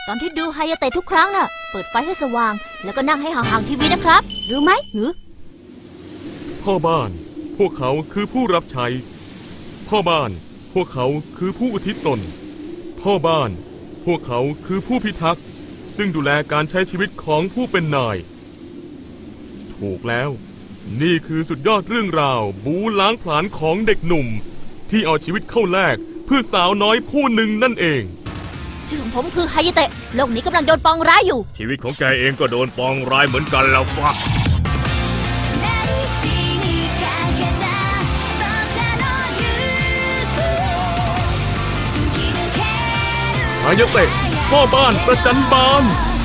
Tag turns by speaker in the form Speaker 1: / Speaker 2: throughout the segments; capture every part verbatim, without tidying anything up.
Speaker 1: ตอนที่ดูไฮยาเตะทุกครั้งน่ะเปิดไฟให้สว่างแล้วก็นั่งให้ห่างๆทีวีนะครับรู้ไหมหือ
Speaker 2: พ่อบ้านพวกเขาคือผู้รับใช้พ่อบ้านพวกเขาคือผู้อุทิศตนพ่อบ้านพวกเขาคือผู้พิทักษ์ซึ่งดูแลการใช้ชีวิตของผู้เป็นนายถูกแล้วนี่คือสุดยอดเรื่องราวบู๊ล้างผลาญของเด็กหนุ่มที่เอาชีวิตเข้าแลกเพื่อสาวน้อยผู้หนึ่งนั่นเอง
Speaker 1: ชื่อของผมคือไฮยาเตะโลกนี้กำลังโดนปองร้ายอยู่
Speaker 3: ชีวิตของแกเองก็โดนปองร้ายเหมือนกันแล้วฟะ
Speaker 2: ไฮยาเตะพ่อบ้านประจันบาน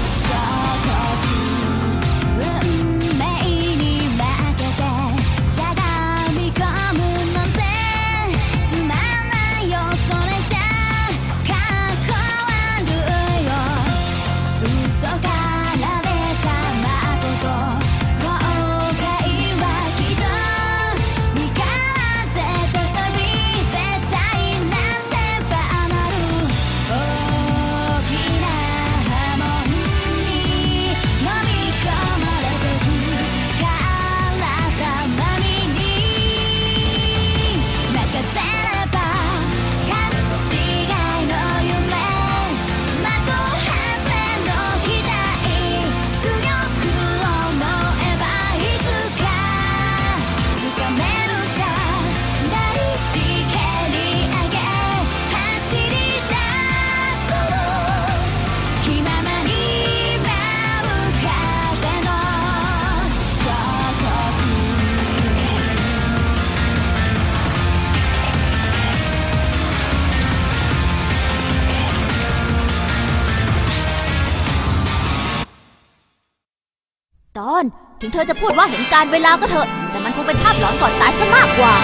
Speaker 1: ตอนถึงเธอจะพูดว่าเห็นการเวลาก็เถอะแต่มันคงเป็นภาพหลอนก่อนตายซะมากกว่า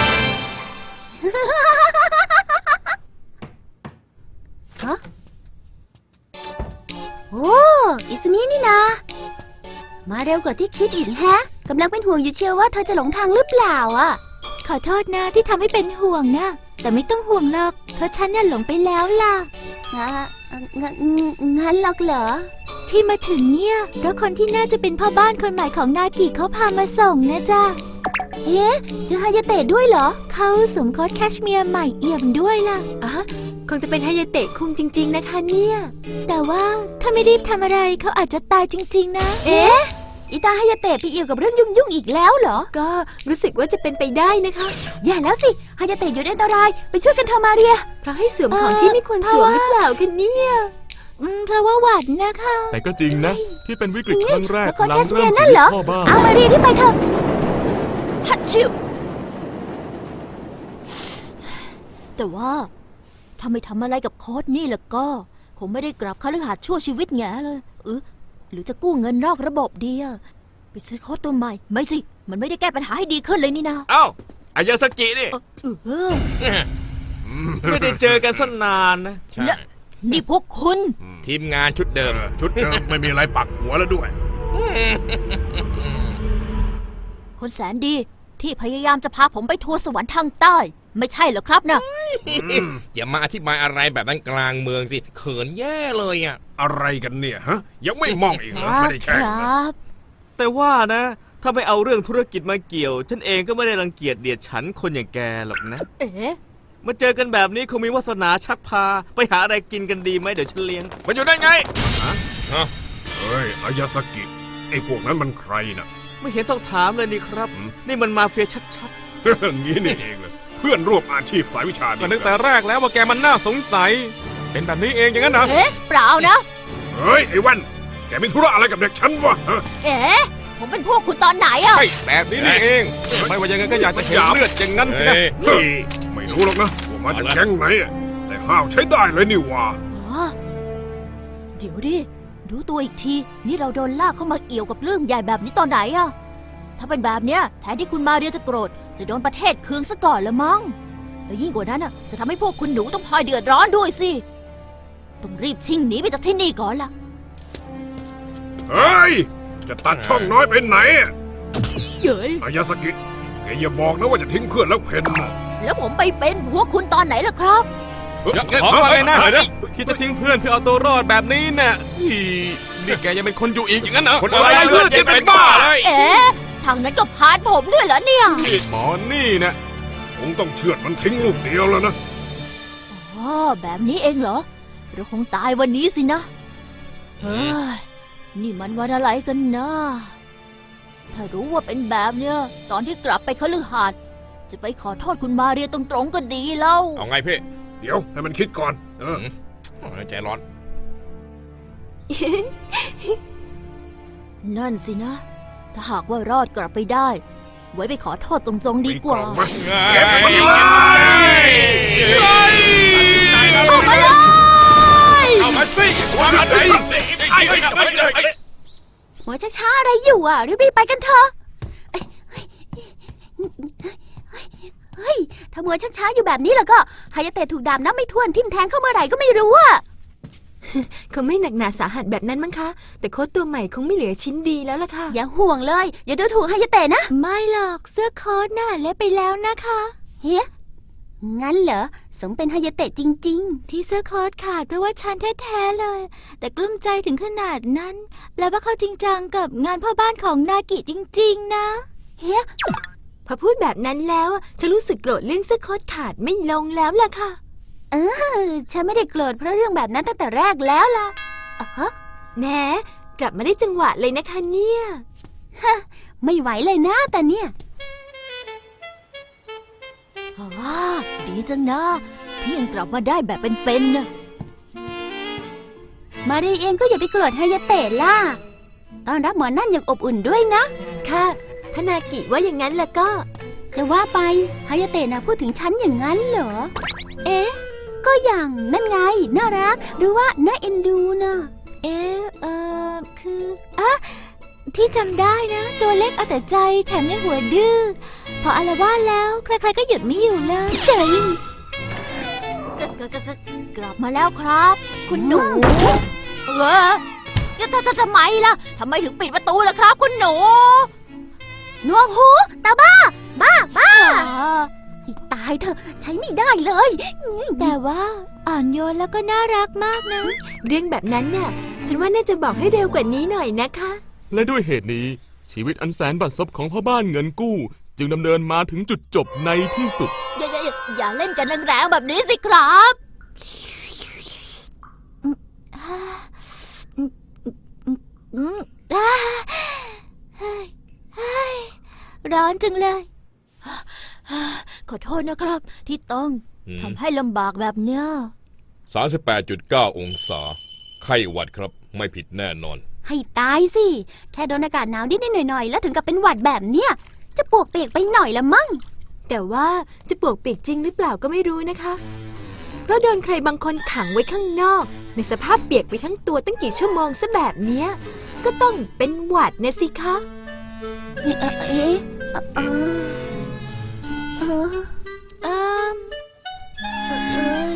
Speaker 1: ฮะโอ้อิสมินี่นะมาเร็วกว่าที่คิดอีกแฮะกำลังเป็นห่วงอยู่เชียวว่าเธอจะหลงทางหรือเปล่าอ่ะขอโทษนะที่ทำให้เป็นห่วงนะแต่ไม่ต้องห่วงหรอกเพราะฉันน่ะหลงไปแล้วล่ะงั้นหรอกเหรอที่มาถึงเนี่ยเพราะคนที่น่าจะเป็นพ่อบ้านคนใหม่ของนากิเขาพามาส่งนะจ๊ะเอ๊ะจะฮายาเตะด้วยเหรอเขาสวมโค้ทแคชเมียร์ใหม่เอี่ยมด้วยล่ะอ๋อคงจะเป็นฮายาเตะคุงจริงๆนะคะเนี่ยแต่ว่าถ้าไม่รีบทำอะไรเขาอาจจะตายจริงๆนะเอ๊ะอิตาฮายาเตะไปเอี่ยวกับเรื่องยุ่งๆอีกแล้วเหรอก็รู้สึกว่าจะเป็นไปได้นะคะอย่าแล้วสิฮายาเตะอยู่ในอันตรายไปช่วยกันเธอมาเรียเพราะให้สวมของที่ไม่ควรสวมหรือเปล่ากันเนี่ยเพราะว่าหวัดนะคะ
Speaker 2: แต่ก็จริงนะที่เป็นวิกฤตครั้งแรกหลังเริ่ม
Speaker 1: ชีวิตพ่อบ้านเอามาเรียที่ไปเถอะฮัตชิวแต่ว่าถ้าไม่ทำอะไรกับโค้ดนี่แล้วก็คงไม่ได้กลับคฤหาสน์ชั่วชีวิตแง่เลยเออหรือจะกู้เงินนอกระบบดีอะไปซื้อโค้ดตัวใหม่ไม่สิมันไม่ได้แก้ปัญหาให้ดีขึ้นเลยนี่นะ
Speaker 3: เอ้าอายาสกินี่ไม่ได้เจอกันสักนานนะ
Speaker 1: นี่พวกคุณ
Speaker 3: ทีมงานชุดเดิม
Speaker 4: ชุดเดิมไม่มีอะไรปักหัวแล้วด้วย
Speaker 1: คนแสนดีที่พยายามจะพาผมไปทัวร์สวรรค์ทางใต้ไม่ใช่เหรอครับนะ
Speaker 3: อย่ามาอธิบายอะไรแบบนั้นกลางเมืองสิเขินแย่เลยอ่ะ
Speaker 4: อะไรกันเนี่ยฮะยังไม่มองอีกเหรอไม่ได้แช่งนะ
Speaker 3: แต่ว่านะถ้าไม่เอาเรื่องธุรกิจมาเกี่ยวฉันเองก็ไม่ได้รังเกียจเดียดฉันคนอย่างแกหรอกนะ
Speaker 1: เอ๊ะ
Speaker 3: มาเจอกันแบบนี้คงมีวาสนาชักพาไปหาอะไรกินกันดีไหมเดี๋ยวฉันเลี้ยง
Speaker 4: มันอยู่ได้ไงฮะเฮ้ยอายาสกิไอ้พวกนั้นมันใครน่ะ
Speaker 3: ไม่เห็นต้องถามเลยนี่ครับนี่มันมาเฟียชัด
Speaker 4: ๆอย่างนี้นี่เองเลยเพื่อนร่วมอาชีพสายวิชา
Speaker 2: ก็นึกแต่แรกแล้วว่าแกมันน่าสงสัยเป็นแบบนี้เองอย่างนั้นนะ
Speaker 1: เอ๊ะเปล่านะ
Speaker 4: เฮ้ยไอ้วันแกมีธุระอะไรกับเด็กฉันวะ
Speaker 1: เอ๊ะผมเป็นพวกคุณตอนไหนอะ
Speaker 2: แบบนี้นี่เองไม่ว่ายังไงก็อยากจะเห็นเลือดอย่างนั้นสินะ
Speaker 4: ไม่รู้หรอกนะว่ามาจากแก๊งไหนแต่ห้าวใช้ได้เลยนี่ว่า
Speaker 1: เดี๋ยวดิดูตัวอีกทีนี่เราโดนลากเข้ามาเอี่ยวกับเรื่องใหญ่แบบนี้ตอนไหนอะถ้าเป็นแบบเนี้ยแทนที่คุณมาเรียจะโกรธจะโดนประเทศเคืองซะก่อนละมั้งแล้วยิ่งกว่านั้นอะจะทำให้พวกคุณหนูต้องพลอยเดือดร้อนด้วยสิต้องรีบชิงหนีไปจากที่นี่ก่อนล่ะ
Speaker 4: เฮ้ยจะตัดช่องน้อยไปไหน
Speaker 1: เย้ย
Speaker 4: อายาสกิแกอย่าบอกนะว่าจะทิ้งเพื่อนแล้วเพน
Speaker 1: แล้วผมไปเป็นพวกคุณตอนไหนล่ะครับ
Speaker 2: ขออะไรนะคิดจะทิ้งเพื่อนเพื่อเอาตัวรอดแบบนี้เนี่ยอีนี่แกยังเป็นคนอยู่อีกอย่างนั้นเหรอ
Speaker 4: คนอะไรเพื่อนจะเป็นบ้าเลย
Speaker 1: เอ๊ะทางนั้นก็พาดผมด้วยเหรอเนี่ย
Speaker 2: หมอนี่นะ
Speaker 4: คงต้องเชือดมันทิ้งลูกเดียวแล้วนะ
Speaker 1: อ๋อแบบนี้เองเหรอ เราคงตายวันนี้สินะ เฮ้ย นี่มันวันอะไรกันนะ ถ้ารู้ว่าเป็นแบบเนี้ย ตอนที่กลับไปคฤหาสน์จะไปขอโทษคุณมาเรียตรงๆก็ดีแล้ว
Speaker 5: เอาไงพี่
Speaker 4: เดี๋ยวให้มันคิดก่อน เออ
Speaker 5: โอ้ยใจร้อน
Speaker 1: นั่นสินะ ถ้าหากว่ารอดกลับไปได้ ไว้ไปขอโทษตรงๆดีกว่า
Speaker 4: มาเก็บมันเลย
Speaker 1: เข้ามาเลย
Speaker 5: เอามาสิวางอะไรไอ้ไอ้ไอ้ไอ้
Speaker 1: หัวช้าๆอะไรอยู่อ่ะ รีบๆไปกันเถอะเอ้ยเฮ้ยเฮ้ยเฮ้ยถ้ามัวช้าๆอยู่แบบนี้แล้วก็ฮายาเตะถูกดาบนับไม่ถ้วนทิ่มแทงเข้าเมื่อไหร่ก็ไม่รู้อ่ะ
Speaker 6: เขาไม่หนักหนาสาหัสแบบนั้นมั้งคะ แต่โค้ดตัวใหม่คงไม่เหลือชิ้นดีแล้วล่ะค่ะ
Speaker 1: อย่าห่วงเลย อย่าดูถูกฮายาเตะนะ ไม่หรอกเสื้อโค้ทน่ะเละไปแล้วนะคะเฮ้ยงั้นเหรอสมเป็นฮายาเตะจริง ๆ ที่เสื้อโค้ทขาดเพราะว่าฉันแท้ๆเลย แต่กลุ้มใจถึงขนาดนั้นแปลว่าเขาจริงจังกับงานพ่อบ้านของนากิจริง ๆ นะเฮ้ย
Speaker 6: พอพูดแบบนั้นแล้วจะรู้สึกโกรธเรื่องเสื้อโค้ดขาดไม่ลงแล้วล่ะค่ะ
Speaker 1: เออฉันไม่ได้โกรธเพราะเรื่องแบบนั้นตั้งแต่แรกแล้วล่ะอ๋อ
Speaker 6: แหม้กลับมาได้จังหวะเลยนะคะเนี่ย
Speaker 1: ไม่ไหวเลยนะแต่เนี่ยว้าดีจังนะที่ยังกลับมาได้แบบเป็นๆนะมารีเองก็อย่าไปโกรธฮายาเตะล่ะต้อนรับหมอนั่นอย่างอบอุ่นด้วยนะ
Speaker 6: ค่ะถ้านากิว่าอย่างนั้นแล้วก็
Speaker 1: จะว่าไปฮายาเตะนะพูดถึงฉันอย่างนั้นเหรอ เอ๊ะ ก็อย่างนั่นไง น่ารัก หรือว่าน่าเอ็นดูนะเอ๊ะ เออคืออะที่จำได้นะ ตัวเล็กเอาแต่ใจแถมยังหัวดื้อ พออาละวาดแล้ว ใครๆก็หยุดไม่อยู่เลยเจ๋ยกลับมาแล้วครับ คุณหนู เออจะจะทำไมล่ะทำไมถึงปิดประตูล่ะครับ คุณหนูหนวกหูตาบ้า บ้าบ้าให้ตายเถอะใช้ไม่ได้เลย แต่ว่าอ่อนโยนแล้วก็น่ารักมากนะ
Speaker 6: เรื่องแบบนั้นน่ะ ฉันว่าน่าจะบอกให้เร็วกว่านี้หน่อยนะคะ
Speaker 2: และด้วยเหตุนี้ชีวิตอันแสนบัดซบของพ่อบ้านเงินกู้ จึงดำเนินมาถึงจุดจบในที่สุด
Speaker 1: อย่าอย่าอย่าอย่าเล่นกันแรงๆแบบนี้สิครับร้อนจังเลย ขอโทษนะครับ ที่ต้องทำให้ลำบากแบบเนี้ย
Speaker 5: สามสิบแปดจุดเก้าองศา ไข้หวัดครับไม่ผิดแน่นอน
Speaker 1: ให้ตายสิ แค่โดนอากาศหนาวนิดๆหน่อยๆแล้วถึงกับเป็นหวัดแบบเนี้ยจะปวกเปียกไปหน่อยละมั้ง
Speaker 6: แต่ว่าจะปวกเปียกจริงหรือเปล่าก็ไม่รู้นะคะ เพราะโดนใครบางคนขังไว้ข้างนอก ในสภาพเปียกไปทั้งตัวตั้งกี่ชั่วโมงซะแบบเนี้ยก็ต้องเป็นหวัดนะสิคะ
Speaker 1: เอ๊ะเอ๊ะเออเออเออเออ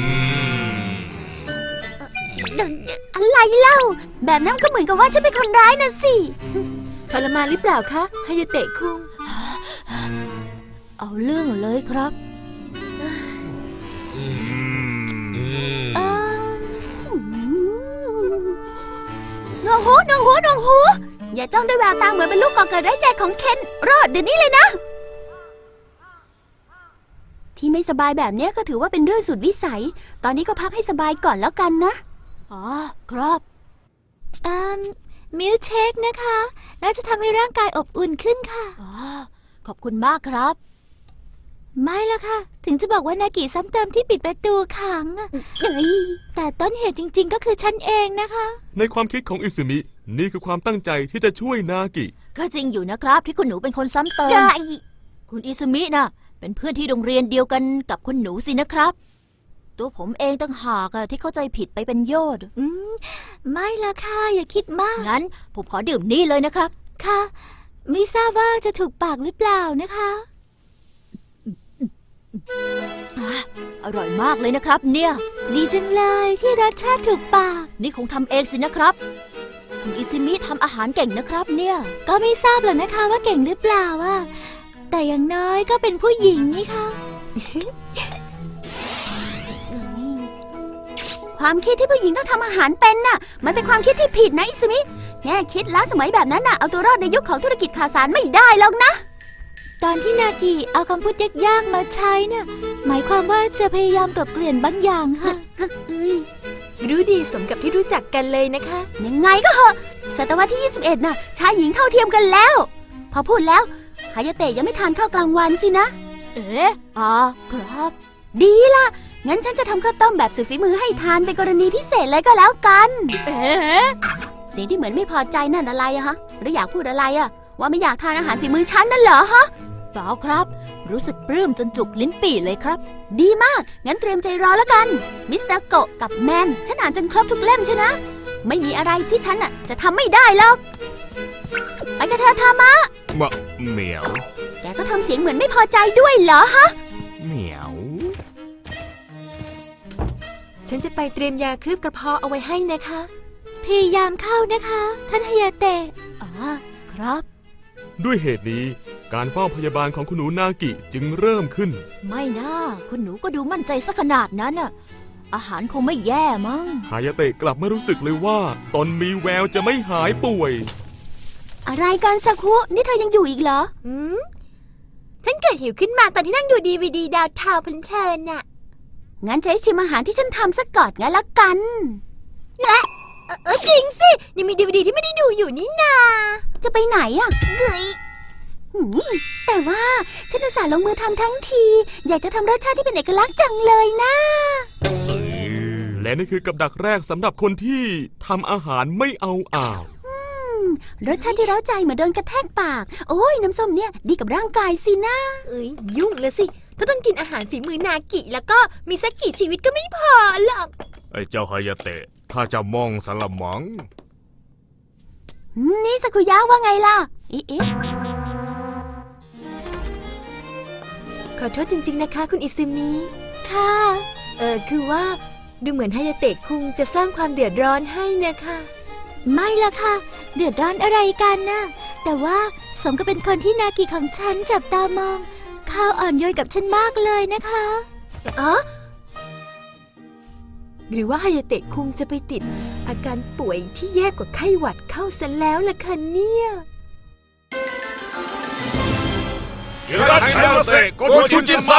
Speaker 1: อะไรเล่า แบบนั้นก็เหมือนกับว่าฉันเป็นคนร้ายนะสิ
Speaker 6: ทรมานหรือเปล่าคะฮายาเตะคุง
Speaker 1: เอาเรื่องเลยครับ
Speaker 5: อืม
Speaker 1: เออหนวกหูหนวกหูหนวกหู อย่าจ้องด้วยแววตาเหมือนเป็นลูกก่อเกิดไร้ใจของเคนรอดเดี๋ยวนี้เลยนะ ที่ไม่สบายแบบนี้ก็ถือว่าเป็นเรื่องสุดวิสัย ตอนนี้ก็พักให้สบายก่อนแล้วกันนะ อ๋อ ครับอืมมิลเชคนะคะ น่าจะทำให้ร่างกายอบอุ่นขึ้นค่ะ อ๋อ ขอบคุณมากครับ ไม่ละค่ะ ถึงจะบอกว่านากิซ้ำเติมที่ปิดประตูขังอะเอ้ยแต่ต้นเหตุจริง ๆ ก็คือฉันเองนะคะ
Speaker 2: ในความคิดของอิซึมินี่คือความตั้งใจที่จะช่วยนากิ
Speaker 1: ก็จริงอยู่นะครับที่คุณหนูเป็นคนซ้ำเติม คุณอิซึมินะเป็นเพื่อนที่โรงเรียนเดียวกันกับคุณหนูสินะครับ ตัวผมเองต่างหากอะที่เข้าใจผิดไปเป็นโยชน์อืมไม่ละค่ะอย่าคิดมาก งั้นผมขอดื่มนี่เลยนะครับ ค่ะ ไม่ทราบว่าจะถูกปากหรือเปล่านะคะอ่ะอร่อยมากเลยนะครับเนี่ย ดีจังเลยที่รสชาติถูกปาก นี่คงทำเองสินะครับ คุณอิซิมิทำอาหารเก่งนะครับเนี่ย ก็ไม่ทราบหรอกนะคะว่าเก่งหรือเปล่าอะแต่อย่างน้อยก็เป็นผู้หญิงนี่ค่ะ ควความคิดที่ผู้หญิงต้องทำอาหารเป็นน่ะ มันเป็นความคิดที่ผิดนะอิสมิแง่คิดล้าสมัยแบบนั้นน่ะเอาตัวรอดในยุคของธุรกิจข่าวสารไม่ได้หรอกนะ ตอนที่นากิเอาคำพูดยากๆมาใช้น่ะหมายความว่าจะพยายามกลบเกลื่อนบางอย่างค่ะเอ้ย
Speaker 6: รู้ดีสมกับที่รู้จักกันเลยนะคะ
Speaker 1: ยังไงก็เหอะศตวรรษที่ยี่สิบเอ็ดน่ะชายหญิงเท่าเทียมกันแล้ว พอพูดแล้วฮายาเตะยังไม่ทานข้าวกลางวันสินะ เอ๊ะอ๋อครับ ดีล่ะ งั้นฉันจะทำข้าวต้มแบบสุดฝีมือให้ทานเป็นกรณีพิเศษเลยก็แล้วกัน เอ๊ะสีที่เหมือนไม่พอใจนั่นอะไรอะฮะ หรืออยากพูดอะไรอะว่าไม่อยากทานอาหารฝีมือฉันนั่นเหรอฮะเปล่าครับ รู้สึกปลื้มจนจุกลิ้นปี่เลยครับ ดีมาก งั้นเตรียมใจรอแล้วกัน มิสเตอร์โกะกับแมน ฉันอ่านจนครบทุกเล่มใช่นะ ไม่มีอะไรที่ฉันอะจะทำไม่ได้หรอก ไปกันเถอะทามะ
Speaker 3: มะเหมียว
Speaker 1: แกก็ทำเสียงเหมือนไม่พอใจด้วยเหรอฮะ
Speaker 3: เหมียว
Speaker 6: ฉันจะไปเตรียมยาเคลือบกระเพาะเอาไว้ให้นะคะ
Speaker 1: พยายามเข้านะคะ ท่านฮายาเตะอ๋อครับ
Speaker 2: ด้วยเหตุนี้การเฝ้าพยาบาลของคุณหนูนากิจึงเริ่มขึ้น
Speaker 1: ไม่นะคุณหนูก็ดูมั่นใจซะขนาดนั้นน่ะ อาหารคงไม่แย่มั้ง
Speaker 2: ฮายาเตะกลับไม่รู้สึกเลยว่าตนมีแววจะไม่หายป่วย
Speaker 1: อะไรกันสักคุนี่เธอยังอยู่อีกเหรอ
Speaker 6: อืม ฉันเกิดหิวขึ้นมาตอนที่นั่งดูดีวีดีดาวทาวน์เพลินๆน่ะ
Speaker 1: งั้นใช้ชิมอาหารที่ฉันทำสักก่อนงั้นละกัน
Speaker 6: เออจริงสิ ยังมีดีวีดีที่ไม่ได้ดูอยู่นี่นา
Speaker 1: จะไปไหนอ่ะ
Speaker 6: เฮ้ย
Speaker 1: หืมแต่ว่าฉันอุตส่าห์ลงมือทำทั้งที อยากจะทำรสชาติที่เป็นเอกลักษณ์จังเลยนะ
Speaker 2: และนี่คือกับดักแรกสำหรับคนที่ทำอาหารไม่เอาอ่าว
Speaker 1: รสชาติที่เร้าใจเหมือนโดนกระแทกปาก โอ้ยน้ำส้มเนี่ยดีกับร่างกายสินะ
Speaker 6: เอ้ยยุ่งเลยสิ ถ้าต้องกินอาหารฝีมือนากิแล้วก็มีสักกี่ชีวิตก็ไม่พอหรอก
Speaker 3: ไอ้เจ้าฮายาเตะ ถ้าจะมองสละมัง
Speaker 1: อืมนี่สักุยะว่าไงล่ะอีเอ๊ะ
Speaker 6: ขอโทษจริงๆนะคะ คุณอิซึมิ
Speaker 1: ค่ะ
Speaker 6: เออคือว่าดูเหมือนฮายาเตะคุงจะสร้างความเดือดร้อนให้นะคะ
Speaker 1: ไม่ละค่ะ เดือดร้อนอะไรกันนะแต่ว่าสมกับเป็นคนที่นากิของฉันจับตามองเขาอ่อนโยนกับฉันมากเลยนะคะ
Speaker 6: อ๋อ หรือว่าฮายาเตะคุงจะไปติด อาการป่วยที่แย่กว่าไข้หวัดเข้าซะแล้วล่ะคะเนี่ย
Speaker 4: いらっしゃいませご主人様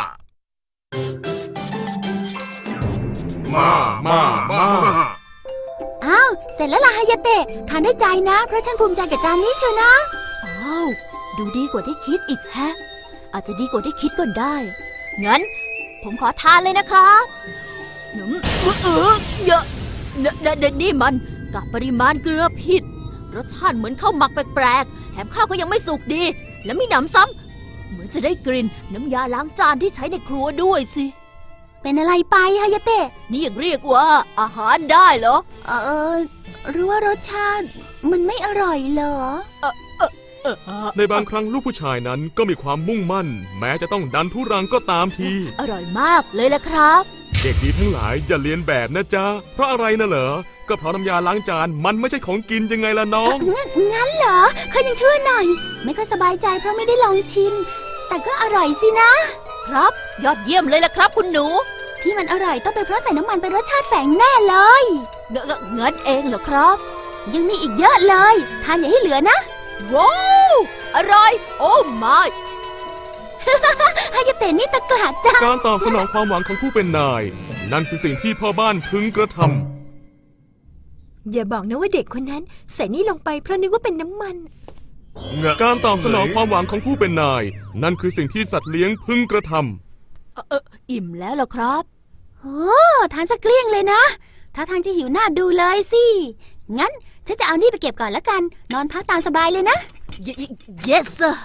Speaker 4: มามามา
Speaker 1: อ้าวเสร็จแล้วล่ะฮายาเตะทานได้ใจนะ เพราะฉันภูมิใจกับจานนี้เชียวนะอ้าวดูดีกว่าที่คิดอีกแฮะ อาจจะดีกว่าที่คิดก็ได้ งั้น ผมขอทานเลยนะครับหนุ่มเออเยอะเดเดนี่มันกับปริมาณเกลือผิด รสชาติเหมือนข้าวหมักแปลกๆแถมข้าวก็ยังไม่สุกดี และมีหนำซ้ำเหมือนจะได้กลิ่นน้ำยาล้างจานที่ใช้ในครัวด้วยสิ เป็นอะไรไปฮายาเตะนี่ยังเรียกว่าอาหารได้เหรอ เออหรือว่ารสชาติมันไม่อร่อยเหรอ
Speaker 2: ในบางครั้งลูกผู้ชายนั้นก็มีความมุ่งมั่น แม้จะต้องดันทุรังก็ตามที
Speaker 1: อร่อยมากเลยละครับ
Speaker 2: เด็กดีทั้งหลายอย่าเลียนแบบนะจ๊ะ เพราะอะไรนะเหรอ ก็เพราะน้ำยาล้างจานมันไม่ใช่ของกินยังไงล่ะน้อง
Speaker 1: งั้นงั้นเหรอเขายังช่วยหน่อย ไม่ค่อยสบายใจเพราะไม่ได้ลองชิม แต่ก็อร่อยสินะ ครับ ยอดเยี่ยมเลยล่ะครับคุณหนู ที่มันอร่อยต้องเป็นเพราะใส่น้ำมันเป็นรสชาติแฝงแน่เลยเงเงงั้นเองเหรอครับ ยังมีอีกเยอะเลย ทานอย่าให้เหลือนะ ว้าวอร่อย โอ้ไม่ ฮายาเตะนี่ตะกละจัง
Speaker 2: การตอบสนองความหวังของผู้เป็นนาย นั่นคือสิ่งที่พ่อบ้านพึงกระทำ
Speaker 6: อย่าบอกนะว่าเด็กคนนั้นใส่นี่ลงไปเพราะนึกว่าเป็นน้ำมัน
Speaker 2: การตอบสนองความหวังของผู้เป็นนาย นั่นคือสิ่งที่สัตว์เลี้ยงพึงกระทำ
Speaker 1: เออเอออิ่มแล้วเหรอครับโอ้ทานสักเกลี้ยงเลยนะ ถ้าทางจะหิวหน้าดูเลยสิ งั้นฉันจะเอานี่ไปเก็บก่อนแล้วกัน นอนพักตามสบายเลยนะ yes sir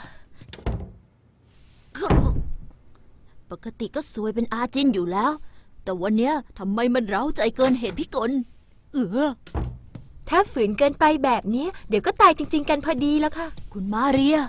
Speaker 1: ปกติก็สวยเป็นอาจินอยู่แล้ว แต่วันเนี้ยทำไมมันเร้าใจเกินเหตุพิกล เออ
Speaker 6: ถ้าฝืนเกินไปแบบนี้เดี๋ยวก็ตายจริง ๆ กันพอดีแล้วค่ะ
Speaker 1: คุณมาเรีย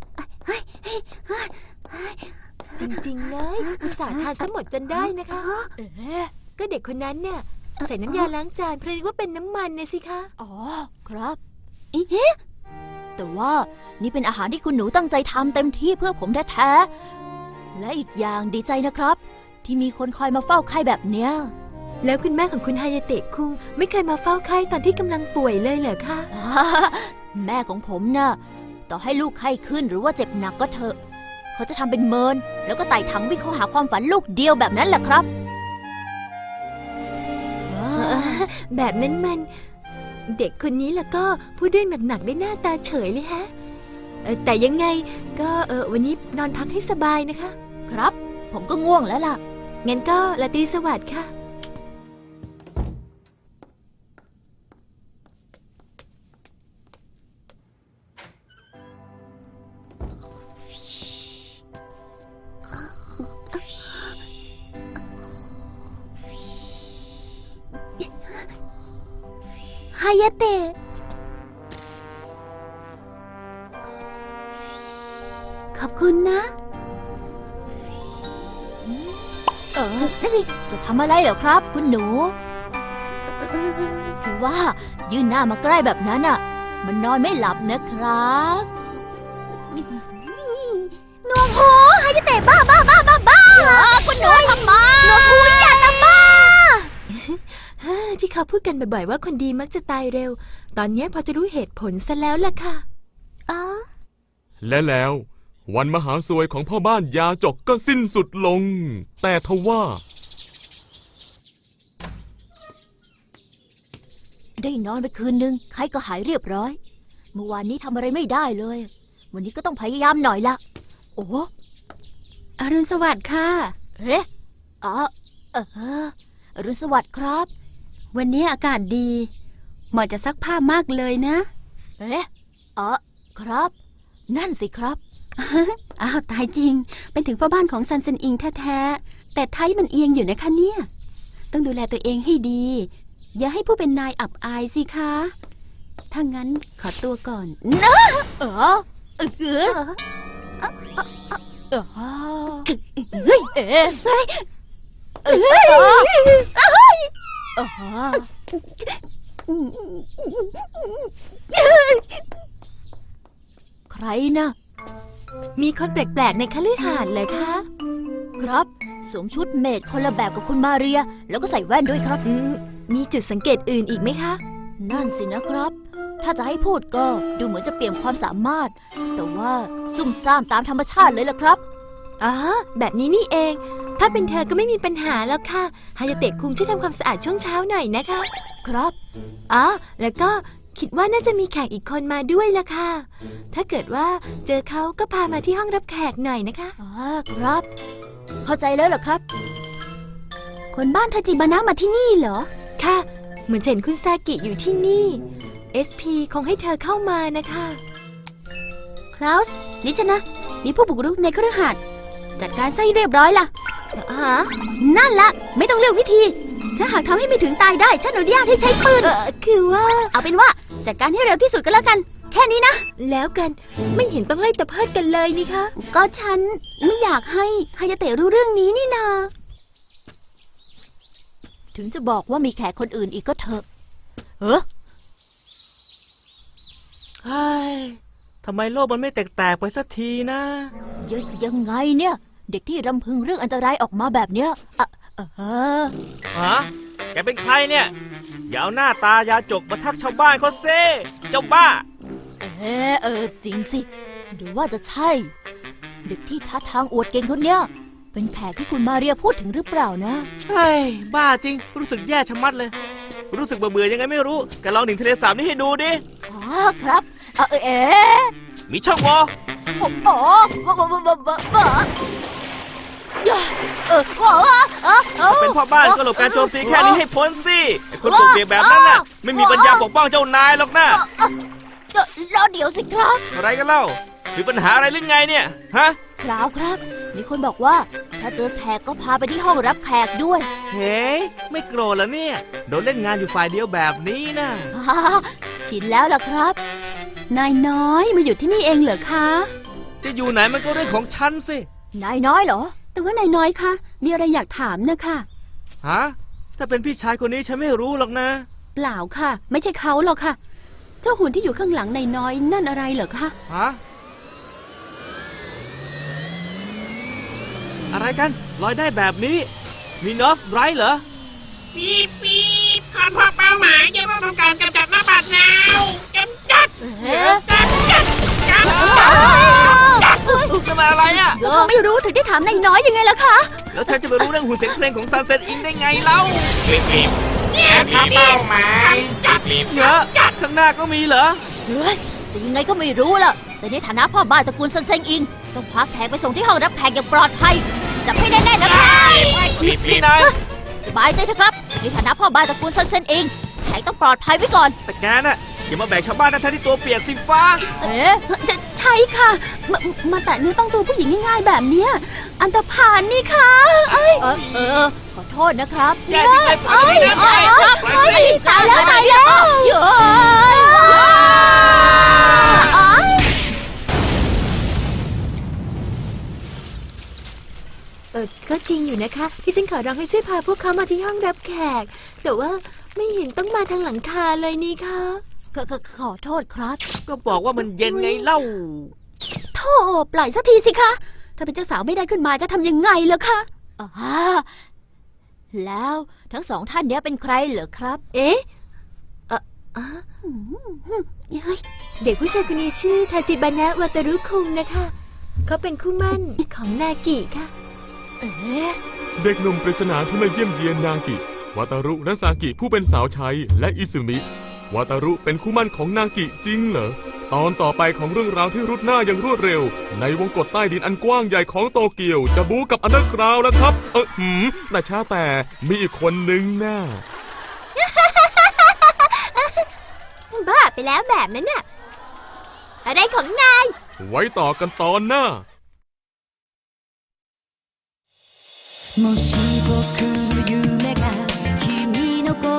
Speaker 6: จริงๆเลยอุตส่าห์ทานซะหมดจนได้นะคะเอ๊ะก็เด็กคนนั้นเนี่ยใส่น้ำยาล้างจานเพราะนึกว่าเป็นน้ำมันนะสิคะ
Speaker 1: อ๋อครับอีเฮ้แต่ว่านี่เป็นอาหารที่คุณหนูตั้งใจทำเต็มที่เพื่อผมแท้ๆและอีกอย่างดีใจนะครับ ที่มีคนคอยมาเฝ้าไข้แบบเนี้ย
Speaker 6: แล้วคุณแม่ของคุณฮายาเตะคุงไม่เคยมาเฝ้าไข้ตอนที่กำลังป่วยเลยเหรอคะ
Speaker 1: แม่ของผมน่ะต่อให้ลูกไข้ขึ้นหรือว่าเจ็บหนักก็เถอะเขาจะทำเป็นเมินแล้วก็ไต่ถังวิ่งเข้าหาความฝันลูกเดียวแบบนั้นแหละครับ
Speaker 6: แบบนั้นมันเด็กคนนี้แล้วก็พูดเรื่องหนักๆได้หน้าตาเฉยเลยฮะเอ่อแต่ยังไงก็เออวันนี้นอนพักให้สบายนะคะ
Speaker 1: ครับ ผมก็ง่วงแล้วล่ะ
Speaker 6: งั้นก็ราตรีสวัสดิ์ค่ะ
Speaker 1: ฮายาเตะ ขอบคุณนะ เออจะทำอะไรเหรอครับ คุณหนู คือว่ายื่นหน้ามาใกล้แบบนั้นอ่ะ มันนอนไม่หลับนะครับหนวกหูฮายาเตะบ้าบ้าบ้าบ้าบ้าคุณหนูทำไมหนวกหูอย่าทำบ้า
Speaker 6: ที่เขาพูดกันบ่อยๆว่าคนดีมักจะตายเร็ว ตอนนี้พอจะรู้เหตุผลซะแล้วล่ะค่ะ
Speaker 1: อ๋อ
Speaker 2: และแล้ววันมหาสวยของพ่อบ้านยาจกก็สิ้นสุดลง แต่ทว่า
Speaker 1: ได้นอนไปคืนนึงไข้ก็หายเรียบร้อย เมื่อวานนี้ทำอะไรไม่ได้เลย วันนี้ก็ต้องพยายามหน่อยละโอ้อรุณสวัสดิ์ค่ะเฮ้อ๋อเอออรุณสวัสดิ์ครับ
Speaker 7: วันนี้อากาศดี เหมาะจะซักผ้ามากเลยนะ
Speaker 1: เอ๊ะอ๋อครับ นั่นสิครับ
Speaker 7: อ้าวตายจริง เป็นถึงพ่อบ้านของซันเซนอิงแท้ๆ แต่ไทยมันเอียงอยู่นะคะเนี่ย ต้องดูแลตัวเองให้ดี อย่าให้ผู้เป็นนายอับอายสิคะ ถ้างั้นขอตัวก่อนนะ
Speaker 1: เออเออเออเออเฮ้ยเอ๊ะเฮ้ยเออเออใครนะ
Speaker 6: มีคนแปลกๆในคฤหาสน์เลยคะ
Speaker 1: ครับสวมชุดเมดคนละแบบกับคุณมาเรีย แล้วก็ใส่แว่นด้วยครับ
Speaker 6: อืมมีจุดสังเกตอื่นอีกไหมคะ
Speaker 1: นั่นสินะครับ ถ้าจะให้พูดก็ดูเหมือนจะเปลี่ยนความสามารถ แต่ว่าซุ่มซ่ามตามธรรมชาติเลยล่ะครับ
Speaker 6: อ๋อ แบบนี้นี่เอง ถ้าเป็นเธอก็ไม่มีปัญหาแล้วค่ะ ฮายาเตะคุงช่วยทำความสะอาดช่วงเช้าหน่อยนะคะ
Speaker 1: ครับ
Speaker 6: อ๋อ แล้วก็คิดว่าน่าจะมีแขกอีกคนมาด้วยล่ะค่ะ ถ้าเกิดว่าเจอเขาก็พามาที่ห้องรับแขกหน่อยนะคะ
Speaker 1: อ๋อครับ เข้าใจแล้วเหรอครับ
Speaker 7: คนบ้านทาจิบานะมาที่นี่เหรอ
Speaker 6: ค่ะ เหมือนจะเห็นคุณซากิอยู่ที่นี่ เอส พี คงให้เธอเข้ามานะคะ
Speaker 7: คลาสนี่ฉันนะ มีผู้บุกรุกในคฤหาสน์จัดการซะให้เรียบร้อยล่ะ
Speaker 6: ฮะ
Speaker 7: นั่นละไม่ต้องเลือกวิธี ถ้าหากทำให้ไม่ถึงตายได้ ฉันอนุญาตให้ใช้ปืน
Speaker 6: เออคือว่า
Speaker 7: เอาเป็นว่าจัดการให้เร็วที่สุดก็แล้วกัน แค่นี้นะ
Speaker 6: แล้วกันไม่เห็นต้องไล่ตะเพิดกันเลยนี่คะ
Speaker 7: ก็ฉันไม่อยากให้ฮายาเตะรู้เรื่องนี้นี่นา
Speaker 1: ถึงจะบอกว่ามีแขกคนอื่นอีกก็เถอะ
Speaker 3: เฮ้อเฮ้ยทำไมโลกมันไม่แตกๆไปสักทีนะ
Speaker 1: ยังยังไงเนี่ย เด็กที่รำพึงเรื่องอันตรายออกมาแบบเนี้ยอะเออ
Speaker 3: ฮะ แกเป็นใครเนี่ย อย่าเอาหน้าตายาจกมาทักชาวบ้านเขาเซ่เจ้าบ้า
Speaker 1: เออเออจริงสิหรือว่าจะใช่ เด็กที่ท่าทางอวดเก่งคนเนี้ยเป็นแขกที่คุณมาเรียพูดถึงหรือเปล่านะ
Speaker 3: เฮ้ย บ้าจริง รู้สึกแย่ชะมัดเลย รู้สึกเบื่อๆยังไงไม่รู้แกลองหนิงทะเลสาบนี่ให้ดูดิ
Speaker 1: อ๋อครับเออเอ๊ะ
Speaker 3: มีช่องโหว่
Speaker 1: โอ้โหบ้าบ้าบ้าบ้าบ้าบ้าเออโอ้เออเออ
Speaker 3: เป็นพ่อบ้านก็หลบการโจมตีแค่นี้ให้พ้นสิไอ้คนปลุกเปียกแบบนั้นน่ะ ไม่มีปัญญาปกป้องเจ้านายหรอกนะ
Speaker 1: รอเดี๋ยวสิครับ
Speaker 3: อะไรกันเล่า มีปัญหาอะไรหรือไงเนี่ย ฮะ
Speaker 1: เปล่าครับ มีคนบอกว่า ถ้าเจอแขกก็พาไปที่ห้องรับแขกด้วย
Speaker 3: เฮ้ยไม่โกรธแล้วเนี่ย โดนเล่นงานอยู่ฝ่ายเดียวแบบนี้นะ
Speaker 1: ฮ่าชินแล้วล่ะครับ
Speaker 7: นายน้อยมาอยู่ที่นี่เองเหรอคะ
Speaker 3: จะอยู่ไหนมันก็เรื่องของฉันสิ
Speaker 1: นายน้อยเหรอ
Speaker 7: แต่ว่านายน้อยคะมีอะไรอยากถามนะคะ
Speaker 3: ฮะ ถ้าเป็นพี่ชายคนนี้ฉันไม่รู้หรอกนะ
Speaker 7: เปล่าค่ะ ไม่ใช่เขาหรอกค่ะ เจ้าหุ่นที่อยู่ข้างหลังนายน้อยนั่นอะไรเหรอคะ
Speaker 3: ฮะ อะไรกัน ลอยได้แบบนี้ มีนอฟไรเหรอ
Speaker 8: ปี๊บปี๊บขอพบเป้าหมายจะต้องทำการกำจัดระบาดหนาวกำจัดกำจัดกำจัดกำจัด
Speaker 3: จะมาอะไรอ่ะ
Speaker 7: ก็เขาไม่รู้ถึงได้ถามนายน้อยยังไงล่ะคะ
Speaker 3: แล้วฉันจะไปรู้เรื่องหุ่นเสียงเพลงของซันเซ็ตอิงได้ไงเล่า
Speaker 5: รีบรีบ
Speaker 8: เนี่ยขอเป้าหมาย
Speaker 5: รีบรีบ
Speaker 3: เยอะข้างหน้าก็มีเหรอ
Speaker 1: เฮ้ยจะยังไงก็ไม่รู้ล่ะ แต่ในฐานะพ่อบ้านตระกูลซันเซ็งอิง ต้องพาแขกไปส่งที่ห้องรับแขกอย่างปลอดภัย จับให้แน่ๆนะครับ
Speaker 5: รีบรี
Speaker 3: พี่
Speaker 5: บ
Speaker 3: นาย
Speaker 1: สบายใจเถอะครับ ในฐานะพ่อบ้านตระกูลซันเซ็งอิง แขกต้องปลอดภัยไว้ก่อน
Speaker 3: แต่แกน่ะอย่ามาแบกชาวบ้านทั้งๆที่ตัวเปียกสีฟ้า
Speaker 1: เอ๊ะ
Speaker 7: จะใช่ค่ะ มามาแตะเนื้อต้องตัวผู้หญิงง่ายๆแบบเนี้ยอันตรพานนี่ค่ะเอ้ย
Speaker 1: เออเออ ขอโทษนะครับ
Speaker 3: แย่จริงเลยปล่อย
Speaker 1: เอ้ย
Speaker 3: ไปนะ
Speaker 1: เอ้ยเอ้ยตายแล้วตายแล้วเย้ยว้าย
Speaker 6: เออก็จริงอยู่นะคะ ที่ฉันขอร้องให้ช่วยพาพวกเขามาที่ห้องรับแขก แต่ว่าไม่เห็นต้องมาทางหลังคาเลยนี่คะ
Speaker 1: ขอขอขอโทษครับ
Speaker 3: ก็บอกว่ามันเย็นไงเล่า
Speaker 7: โธ่ปล่อยสักทีสิคะ ถ้าเป็นเจ้าสาวไม่ได้ขึ้นมาจะทำยังไงล่ะคะ
Speaker 1: อ่าแล้วทั้งสองท่านเนี้ยเป็นใครเหรอครับ
Speaker 6: เอ๊ะเอ่ออ่ะ
Speaker 7: เฮ้ย
Speaker 6: เด็กผู้ชายคนนี้ชื่อทาจิบานะวาตารุคุงนะคะ เขาเป็นคู่หมั่นของนากิค่ะ
Speaker 1: เอ๊ะ
Speaker 2: เด็กหนุ่มปริศนาที่มาเยี่ยมเยียนนากิ วาตารุและซากิผู้เป็นสาวใช้และอิซึมิ วาตารุเป็นคู่หมั่นของนากิจริงเหรอ ตอนต่อไปของเรื่องราวที่รุดหน้าอย่างรวดเร็ว ในวงกฏใต้ดินอันกว้างใหญ่ของโตเกียว จะบู๊กับอันเดอร์กราวด์แล้วครับ เออหืมแต่ช้าแต่มีอีกคนนึงน่า
Speaker 6: บ้าไปแล้วแบบนั้นน่ะ อะไรของนาย
Speaker 2: ไว้ต่อกันตอนหน้า
Speaker 9: もし僕の夢が君の心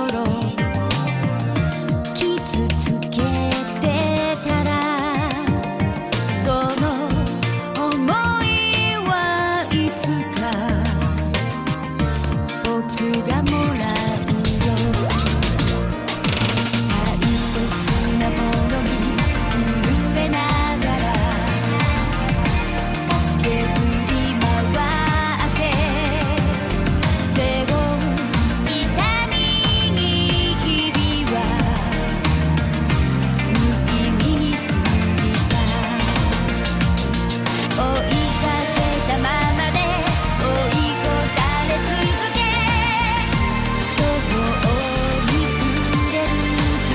Speaker 9: 傷つけてたらその想いはいつか僕がもらうよ大切なものに震えながら駆けずり回って背負う痛みに日々は無意味に過ぎた追いかけたままで追い越され続け途方に暮れる風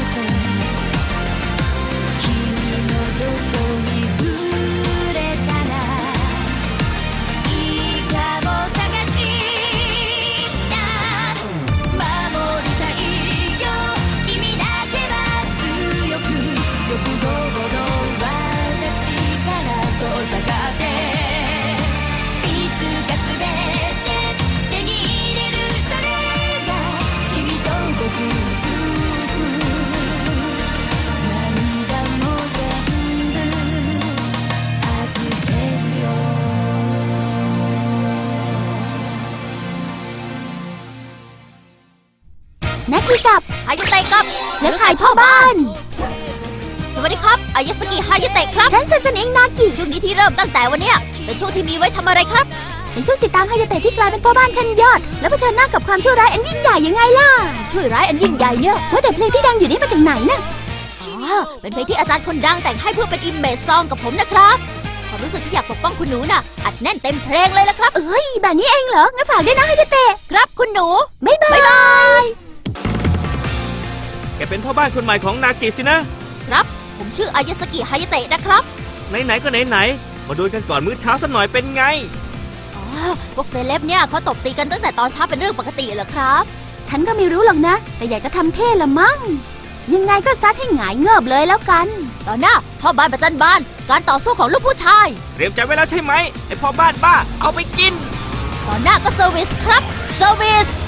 Speaker 9: 君のどこに触れたらいいかも探した守りたいよ君だけは強く欲望の輪立ちから遠ざかっていつかすべて手に入れるそれが君と僕の夫婦涙も全部預けるよ
Speaker 7: นักกีกับ
Speaker 1: ฮายาเตะครับ
Speaker 7: แล้วขายพ่อบ้าน
Speaker 1: สวัสดีครับ อายาสกิฮายาเตะครับ
Speaker 7: ฉันซันเซนอิงนากิ
Speaker 1: ช่วงนี้ที่เริ่มตั้งแต่วันเนี้ยเป็นช่วงที่มีไว้ทำอะไรครับ
Speaker 7: เป็นช่วงติดตามฮายาเตะที่กลายเป็นพ่อบ้านชั้นยอด แล้วเผชิญหน้ากับความชั่วร้ายอันยิ่งใหญ่ยังไงล่ะ
Speaker 1: ช่วยร้ายอันยิ่งใหญ่เนี่ย
Speaker 7: ว่าแต่เพลงที่ดังอยู่นี่มาจากไหนน่ะ
Speaker 1: อ๋อเป็นเพลงที่อาจารย์คนดังแต่งให้เพื่อเป็นอิมเมจซองกับผมนะครับความรู้สึกที่อยากปกป้องคุณหนูน่ะ อัดแน่นเต็มเพลงเลยละครับ
Speaker 7: เอ้ยแบบนี้เองเหรอ งั้นฝากด้วยนะฮายาเตะ
Speaker 1: ครับคุณหนู
Speaker 7: บ๊ายบาย
Speaker 3: แกเป็นพ่อบ้านคนใหม่ของนากิสินะ
Speaker 1: ครับ ผมชื่ออายาสกิฮายาเตะนะครับ
Speaker 3: ไหนๆก็ไหนๆมาดูกันก่อนมื้อเช้าสักหน่อยเป็นไง
Speaker 1: อ๋อ พวกเซเลบเนี่ยเขาตบตีกันตั้งแต่ตอนเช้าเป็นเรื่องปกติเหรอครับ
Speaker 7: ฉันก็ไม่รู้หรอกนะ แต่อยากจะทำเท่ละมั้ง ยังไงก็ซัดให้หงายเงิบเลยแล้วกัน
Speaker 1: ตอนหน้าพ่อบ้านประจันบาน การต่อสู้ของลูกผู้ชาย
Speaker 3: เตรียมใจไว้แล้วใช่ไหมไอพ่อบ้านบ้า เอาไปกิน
Speaker 1: ตอนหน้าก็เซอร์วิสครับ เซอร์วิส